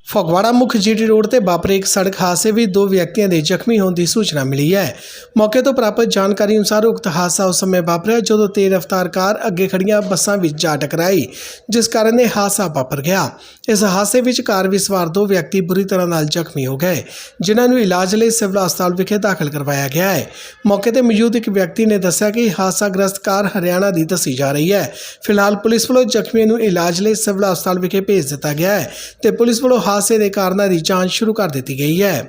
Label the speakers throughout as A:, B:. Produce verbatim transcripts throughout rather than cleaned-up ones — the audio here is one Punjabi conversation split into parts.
A: ਫਗਵਾੜਾ ਮੁੱਖ ਜੀਟੀ ਰੋਡ ਤੇ ਵਾਪਰੇ ਇੱਕ ਸੜਕ ਹਾਦਸੇ ਵਿੱਚ ਦੋ ਵਿਅਕਤੀਆਂ ਦੇ ਜ਼ਖਮੀ ਹੋਣ ਦੀ ਸੂਚਨਾ ਮਿਲੀ ਹੈ। ਮੌਕੇ ਤੋਂ ਪ੍ਰਾਪਤ ਜਾਣਕਾਰੀ ਅਨੁਸਾਰ ਉਕਤ ਹਾਦਸਾ ਉਸ ਸਮੇਂ ਵਾਪਰਿਆ ਜਦੋਂ ਤੇਜ਼ ਰਫ਼ਤਾਰ ਕਾਰ ਅੱਗੇ ਖੜੀਆਂ ਬੱਸਾਂ ਵਿੱਚ ਜਾ ਟਕਰਾਈ, ਜਿਸ ਕਾਰਨ ਇਹ ਹਾਦਸਾ ਵਾਪਰ ਗਿਆ। ਇਸ ਹਾਦਸੇ ਵਿੱਚ ਕਾਰ ਵਿੱਚ ਸਵਾਰ ਦੋ ਵਿਅਕਤੀ ਬੁਰੀ ਤਰ੍ਹਾਂ ਨਾਲ ਜ਼ਖਮੀ ਹੋ ਗਏ, ਜਿਨ੍ਹਾਂ ਨੂੰ ਇਲਾਜ ਲਈ ਸਿਵਲ ਹਸਪਤਾਲ ਵਿਖੇ ਦਾਖਲ ਕਰਵਾਇਆ ਗਿਆ ਹੈ। ਮੌਕੇ ਤੇ ਮੌਜੂਦ ਇੱਕ ਵਿਅਕਤੀ ਨੇ ਦੱਸਿਆ ਕਿ ਹਾਦਸਾਗ੍ਰਸਤ ਕਾਰ ਹਰਿਆਣਾ ਦੀ ਦੱਸੀ ਜਾ ਰਹੀ ਹੈ। ਫਿਲਹਾਲ ਪੁਲਿਸ ਵੱਲੋਂ ਜ਼ਖਮੀਆਂ ਨੂੰ ਇਲਾਜ ਲਈ ਸਿਵਲ ਹਸਪਤਾਲ ਵਿਖੇ ਭੇਜ ਦਿੱਤਾ ਗਿਆ ਹੈ ਤੇ ਪੁਲਿਸ ਵੱਲੋਂ ਹਾਦਸੇ ਦੇ ਕਾਰਨਾਂ ਦੀ ਜਾਂਚ ਸ਼ੁਰੂ ਕਰ ਦਿੱਤੀ ਗਈ ਹੈ।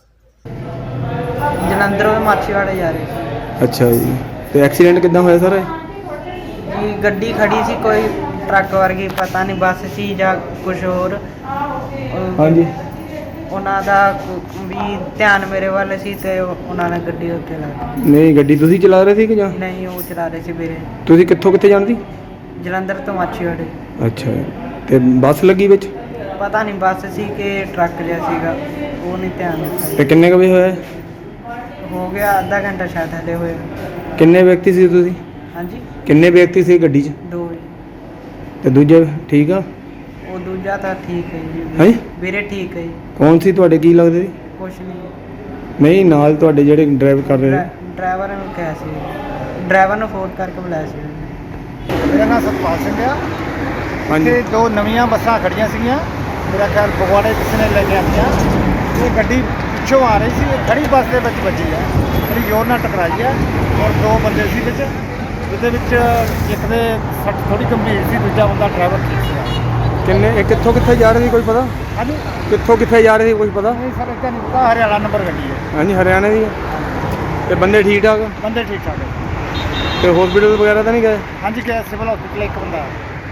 B: ਜਲੰਧਰੋਂ ਮਾਛੀਵਾੜੇ ਜਾ ਰਹੇ ਸੀ।
C: ਅੱਛਾ ਜੀ, ਤੇ ਐਕਸੀਡੈਂਟ ਕਿੱਦਾਂ ਹੋਇਆ ਸਰ?
B: ਜੀ ਗੱਡੀ ਖੜੀ ਸੀ, ਕੋਈ ਟਰੱਕ ਵਰਗੀ, ਪਤਾ ਨਹੀਂ ਬੱਸ ਸੀ ਜਾਂ ਕੁਝ ਹੋਰ। ਉਹ-
C: ਹਾਂਜੀ,
B: ਉਹਨਾਂ ਦਾ ਵੀ ਧਿਆਨ ਮੇਰੇ ਵੱਲ ਸੀ ਤੇ ਉਹਨਾਂ ਨੇ ਗੱਡੀ ਉੱਤੇ ਲਾ ਦਿੱਤੀ।
C: ਨਹੀਂ ਗੱਡੀ ਤੁਸੀਂ ਚਲਾ ਰਹੇ ਸੀ ਕਿ ਜਾਂ
B: ਨਹੀਂ, ਉਹ ਚਲਾ ਰਹੇ ਸੀ ਵੀਰੇ।
C: ਤੁਸੀਂ ਕਿੱਥੋਂ ਕਿੱਥੇ ਜਾਂਦੀ?
B: ਜਲੰਧਰ ਤੋਂ ਮਾਛੀਵਾੜੇ।
C: ਅੱਛਾ, ਤੇ ਬੱਸ ਲੱਗੀ ਵਿੱਚ?
B: ਪਤਾ ਨਹੀਂ ਬੱਸ ਸੀ ਕਿ ਟਰੱਕ ਜਿਹਾ ਸੀਗਾ, ਉਹ ਨਹੀਂ ਧਿਆਨ
C: ਤੇ
B: ਦਿੱਤਾ।
C: ਕਿੰਨੇ ਕੁ ਵਜੇ ਹੋਇਆ?
B: ਹੋ ਗਿਆ ਅੱਧਾ ਘੰਟਾ ਸ਼ਾਇਦ ਹਲੇ ਹੋਇਆ।
C: ਕਿੰਨੇ ਵਿਅਕਤੀ ਸੀ ਤੁਸੀਂ?
B: ਹਾਂਜੀ,
C: ਕਿੰਨੇ ਵਿਅਕਤੀ ਸੀ ਗੱਡੀ 'ਚ?
B: ਦੋ।
C: ਤੇ ਦੂਜੇ ਠੀਕ ਆ?
B: ਉਹ ਦੂਜਾ ਤਾਂ ਠੀਕ ਹੈ ਜੀ
C: ਹੈਂ?
B: ਵੀਰੇ, ਠੀਕ ਹੈ ਜੀ,
C: ਕੌਣ ਸੀ ਤੁਹਾਡੇ, ਕੀ ਲੱਗਦੇ ਸੀ?
B: ਕੁਛ ਨਹੀਂ।
C: ਨਹੀਂ, ਨਾਲ ਤੁਹਾਡੇ ਜਿਹੜੇ ਡਰਾਈਵ ਕਰ ਰਹੇ ਸੀ?
B: ਡਰਾਈਵਰ ਨੂੰ ਕਿਹਾ ਸੀ, ਡਰਾਈਵਰ ਨੂੰ ਫੋਨ ਕਰਕੇ ਬੁਲਾਇਆ ਸੀ।
D: ਮੇਰਾ ਨਾਮ ਸਤਪਾਲ ਸਿੰਘ ਆ।
C: ਹਾਂਜੀ,
D: ਤੇ ਦੋ ਨਵੀਆਂ ਬੱਸਾਂ ਖੜੀਆਂ ਸੀਗੀਆਂ, ਮੇਰਾ ਖਿਆਲ ਫਗਵਾੜੇ ਕਿਸੇ ਨੇ ਲੈ ਕੇ ਆਉਂਦੀਆਂ। ਇਹ ਗੱਡੀ ਪਿੱਛੋਂ ਆ ਰਹੀ ਸੀ, ਇਹ ਖੜੀ ਬੱਸ ਦੇ ਵਿੱਚ ਵੱਜੀ ਆ, ਬੜੀ ਜ਼ੋਰ ਨਾਲ ਟਕਰਾਈ ਆ ਔਰ ਦੋ ਬੰਦੇ ਸੀ ਵਿੱਚ, ਜਿਹਦੇ ਵਿੱਚ ਇੱਕ ਦੇ ਸੱਟ ਥੋੜੀ ਗੰਭੀਰ ਸੀ, ਦੂਜਾ ਬੰਦਾ ਡਰਾਈਵਰ ਠੀਕ ਸੀ।
C: ਕਿੰਨੇ ਇਹ ਕਿੱਥੋਂ ਕਿੱਥੇ ਜਾ ਰਹੇ ਸੀ, ਕੋਈ ਪਤਾ?
D: ਹਾਂਜੀ,
C: ਕਿੱਥੋਂ ਕਿੱਥੇ ਜਾ ਰਹੇ ਸੀ, ਕੁਝ ਪਤਾ?
D: ਨਹੀਂ ਸਰ, ਇੱਦਾਂ ਨਹੀਂ ਪਤਾ, ਹਰਿਆਣਾ ਨੰਬਰ ਗੱਡੀ ਹੈ।
C: ਹਾਂਜੀ, ਹਰਿਆਣੇ ਦੀ ਹੈ। ਤੇ ਬੰਦੇ ਠੀਕ ਠਾਕ?
D: ਬੰਦੇ ਠੀਕ ਠਾਕ ਹੈ।
C: ਤੇ ਹਸਪੀਟਲ ਵਗੈਰਾ ਤਾਂ ਨਹੀਂ ਗਏ?
D: ਹਾਂਜੀ, ਗਿਆ ਸਿਵਲ ਹਸਪੀਟਲ ਇੱਕ ਬੰਦਾ।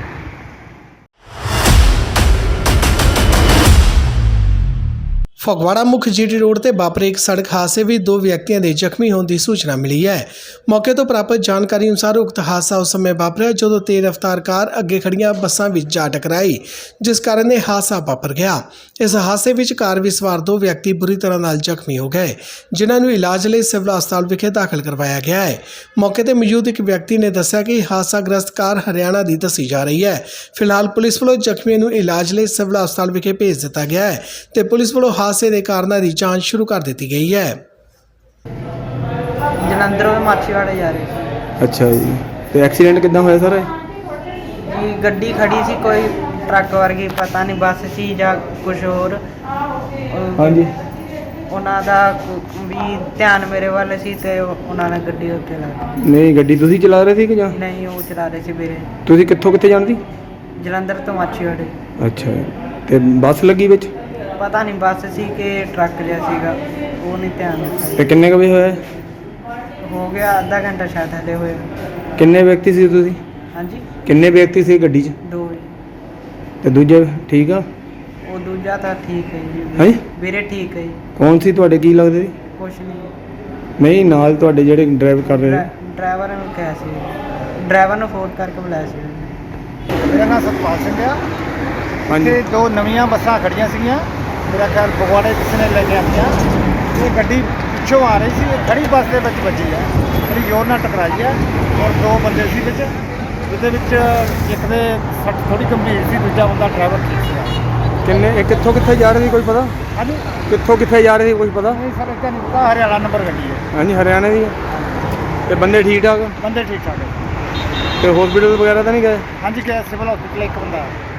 A: ਫਗਵਾੜਾ ਮੁੱਖ ਜੀਟੀ ਰੋਡ ਤੇ ਵਾਪਰੇ ਇੱਕ ਸੜਕ ਹਾਦਸੇ ਵਿੱਚ ਦੋ ਵਿਅਕਤੀਆਂ ਦੇ ਜ਼ਖਮੀ ਹੋਣ ਦੀ ਸੂਚਨਾ ਮਿਲੀ ਹੈ। ਮੌਕੇ ਤੋਂ ਪ੍ਰਾਪਤ ਜਾਣਕਾਰੀ ਅਨੁਸਾਰ ਉਕਤ ਹਾਦਸਾ ਉਸ ਸਮੇਂ ਵਾਪਰਿਆ ਜਦੋਂ ਤੇਜ਼ ਰਫ਼ਤਾਰ ਕਾਰ ਅੱਗੇ ਖੜੀਆਂ ਬੱਸਾਂ ਵਿੱਚ ਜਾ ਟਕਰਾਈ, ਜਿਸ ਕਾਰਨ ਇਹ ਹਾਦਸਾ ਵਾਪਰ ਗਿਆ। ਇਸ ਹਾਦਸੇ ਵਿੱਚ ਕਾਰ ਵਿੱਚ ਸਵਾਰ ਦੋ ਵਿਅਕਤੀ ਬੁਰੀ ਤਰ੍ਹਾਂ ਨਾਲ ਜ਼ਖਮੀ ਹੋ ਗਏ, ਜਿਨ੍ਹਾਂ ਨੂੰ ਇਲਾਜ ਲਈ ਸਿਵਲ ਹਸਪਤਾਲ ਵਿਖੇ ਦਾਖਲ ਕਰਵਾਇਆ ਗਿਆ ਹੈ। ਮੌਕੇ ਤੇ ਮੌਜੂਦ ਇੱਕ ਵਿਅਕਤੀ ਨੇ ਦੱਸਿਆ ਕਿ ਹਾਦਸਾਗ੍ਰਸਤ ਕਾਰ ਹਰਿਆਣਾ ਦੀ ਦੱਸੀ ਜਾ ਰਹੀ ਹੈ। ਫਿਲਹਾਲ ਪੁਲਿਸ ਵੱਲੋਂ ਜ਼ਖਮੀਆਂ ਨੂੰ ਇਲਾਜ ਲਈ ਸਿਵਲ ਹਸਪਤਾਲ ਵਿਖੇ ਭੇਜ ਦਿੱਤਾ ਗਿਆ ਹੈ ਤੇ ਪੁਲਿਸ ਵੱਲੋਂ ਹਾਦਸੇ ਦੇ ਕਾਰਨਾਂ ਦੀ ਜਾਂਚ ਸ਼ੁਰੂ ਕਰ ਦਿੱਤੀ ਗਈ ਹੈ।
B: ਜਲੰਧਰੋਂ ਮਾਛੀਵਾੜੇ ਜਾ ਰਹੇ ਸੀ।
C: ਅੱਛਾ ਜੀ, ਤੇ ਐਕਸੀਡੈਂਟ ਕਿੱਦਾਂ ਹੋਇਆ ਸਰ?
B: ਜੀ ਗੱਡੀ ਖੜੀ ਸੀ, ਕੋਈ ਟਰੱਕ ਵਰਗੀ, ਪਤਾ ਨਹੀਂ ਬੱਸ ਸੀ ਜਾਂ ਕੁਝ ਹੋਰ। ਉਹ-
C: ਹਾਂਜੀ,
B: ਉਹਨਾਂ ਦਾ ਵੀ ਧਿਆਨ ਮੇਰੇ ਵੱਲ ਸੀ ਤੇ ਉਹਨਾਂ ਨੇ ਗੱਡੀ ਉੱਤੇ ਲਾ ਦਿੱਤੀ।
C: ਨਹੀਂ ਗੱਡੀ ਤੁਸੀਂ ਚਲਾ ਰਹੇ ਸੀ ਕਿ ਜਾਂ
B: ਨਹੀਂ, ਉਹ ਚਲਾ ਰਹੇ ਸੀ ਵੀਰੇ।
C: ਤੁਸੀਂ ਕਿੱਥੋਂ ਕਿੱਥੇ ਜਾਂਦੀ?
B: ਜਲੰਧਰ ਤੋਂ ਮਾਛੀਵਾੜੇ।
C: ਅੱਛਾ, ਤੇ ਬੱਸ ਲੱਗੀ ਵਿੱਚ?
B: ਪਤਾ ਨਹੀਂ ਬੱਸ ਸੀ ਕਿ ਟਰੱਕ ਜਿਹਾ ਸੀਗਾ, ਉਹ ਨਹੀਂ ਧਿਆਨ ਦਿੱਤਾ।
C: ਤੇ ਕਿੰਨੇ ਕੁ ਵਜੇ ਹੋਇਆ?
B: ਹੋ ਗਿਆ ਅੱਧਾ ਘੰਟਾ ਸ਼ਾਇਦ ਹਲੇ ਹੋਇਆ।
C: ਕਿੰਨੇ ਵਿਅਕਤੀ ਸੀ ਤੁਸੀਂ?
B: ਹਾਂਜੀ,
C: ਕਿੰਨੇ ਵਿਅਕਤੀ ਸੀ ਗੱਡੀ 'ਚ?
B: ਦੋ।
C: ਤੇ ਦੂਜੇ ਠੀਕ ਆ?
B: ਉਹ ਦੂਜਾ ਤਾਂ ਠੀਕ ਹੈ ਜੀ
C: ਹੈਂ?
B: ਵੀਰੇ, ਠੀਕ ਹੈ ਜੀ,
C: ਕੌਣ ਸੀ ਤੁਹਾਡੇ, ਕੀ ਲੱਗਦੇ ਸੀ?
B: ਕੁਛ ਨਹੀਂ।
C: ਨਹੀਂ, ਨਾਲ ਤੁਹਾਡੇ ਜਿਹੜੇ ਡਰਾਈਵ ਕਰ ਰਹੇ ਸੀ?
B: ਡਰਾਈਵਰ ਨੂੰ ਕਿਹਾ ਸੀ, ਡਰਾਈਵਰ ਨੂੰ ਫੋਨ ਕਰਕੇ ਬੁਲਾਇਆ ਸੀ।
D: ਮੇਰਾ ਨਾਮ ਸਤਪਾਲ ਸਿੰਘ ਆ।
C: ਹਾਂਜੀ,
D: ਤੇ ਦੋ ਨਵੀਆਂ ਬੱਸਾਂ ਖੜੀਆਂ ਸੀਗੀਆਂ, ਮੇਰਾ ਖਿਆਲ ਫਗਵਾੜੇ ਕਿਸੇ ਨੇ ਲੈ ਕੇ ਆਉਂਦੀਆਂ। ਇਹ ਗੱਡੀ ਪਿੱਛੋਂ ਆ ਰਹੀ ਸੀ, ਇਹ ਖੜੀ ਬੱਸ ਦੇ ਵਿੱਚ ਵੱਜੀ ਆ, ਬੜੀ ਜ਼ੋਰ ਨਾਲ ਟਕਰਾਈ ਆ ਔਰ ਦੋ ਬੰਦੇ ਸੀ ਵਿੱਚ, ਜਿਹਦੇ ਵਿੱਚ ਇੱਕ ਦੇ ਸੱਟ ਥੋੜੀ ਗੰਭੀਰ ਸੀ, ਦੂਜਾ ਬੰਦਾ ਡਰਾਈਵਰ ਠੀਕ ਸੀ।
C: ਕਿੰਨੇ ਇਹ ਕਿੱਥੋਂ ਕਿੱਥੇ ਜਾ ਰਹੇ ਸੀ, ਕੋਈ ਪਤਾ?
D: ਹਾਂਜੀ,
C: ਕਿੱਥੋਂ ਕਿੱਥੇ ਜਾ ਰਹੇ ਸੀ, ਕੁਝ ਪਤਾ?
D: ਨਹੀਂ ਸਰ, ਇੱਦਾਂ ਨਹੀਂ ਪਤਾ, ਹਰਿਆਣਾ ਨੰਬਰ ਗੱਡੀ ਹੈ।
C: ਹਾਂਜੀ, ਹਰਿਆਣੇ ਦੀ ਹੈ। ਤੇ ਬੰਦੇ ਠੀਕ ਠਾਕ?
D: ਬੰਦੇ ਠੀਕ ਠਾਕ ਹੈ।
C: ਤੇ ਹਸਪੀਟਲ ਵਗੈਰਾ ਤਾਂ ਨਹੀਂ ਗਏ?
D: ਹਾਂਜੀ, ਗਿਆ ਸਿਵਲ ਹਸਪੀਟਲ ਇੱਕ ਬੰਦਾ।